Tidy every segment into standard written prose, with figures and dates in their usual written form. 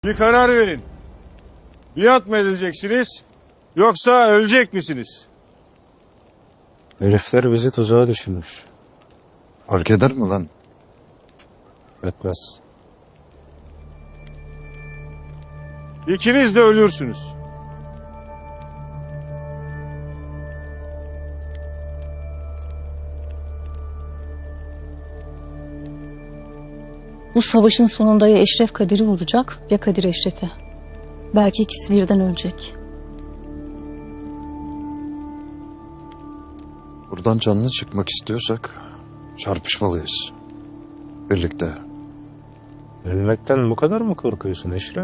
Bir karar verin. Biat mı edileceksiniz yoksa ölecek misiniz? Herifler bizi tuzağa düşürmüş. Fark eder mi lan? Etmez. İkiniz de ölürsünüz. Bu savaşın sonunda ya Eşref Kadir'i vuracak ya Kadir Eşref'i. Belki ikisi birden ölecek. Buradan canlı çıkmak istiyorsak çarpışmalıyız. Birlikte. Ölmekten bu kadar mı korkuyorsun Eşref?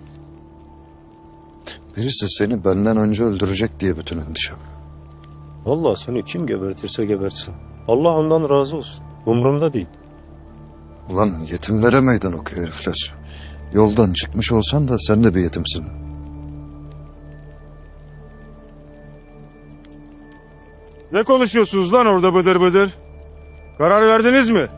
Birisi seni benden önce öldürecek diye bütün endişem. Vallahi seni kim gebertirse gebertsin. Allah ondan razı olsun. Umurumda değil. Ulan yetimlere meydan okuyor herifler. Yoldan çıkmış olsan da sen de bir yetimsin. Ne konuşuyorsunuz lan orada bıdır bıdır? Karar verdiniz mi?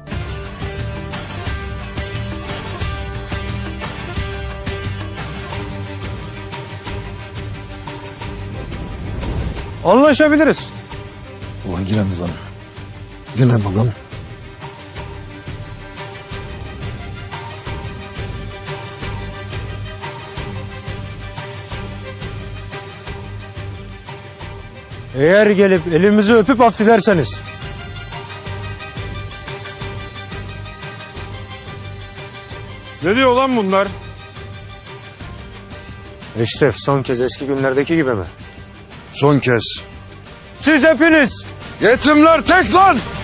Anlaşabiliriz. Ulan yine mi lan? Yine mi lan? Eğer gelip elimizi öpüp affederseniz. Ne diyor lan bunlar? Eşref son kez eski günlerdeki gibi mi? Son kez. Siz hepiniz. Yetimler tek lan!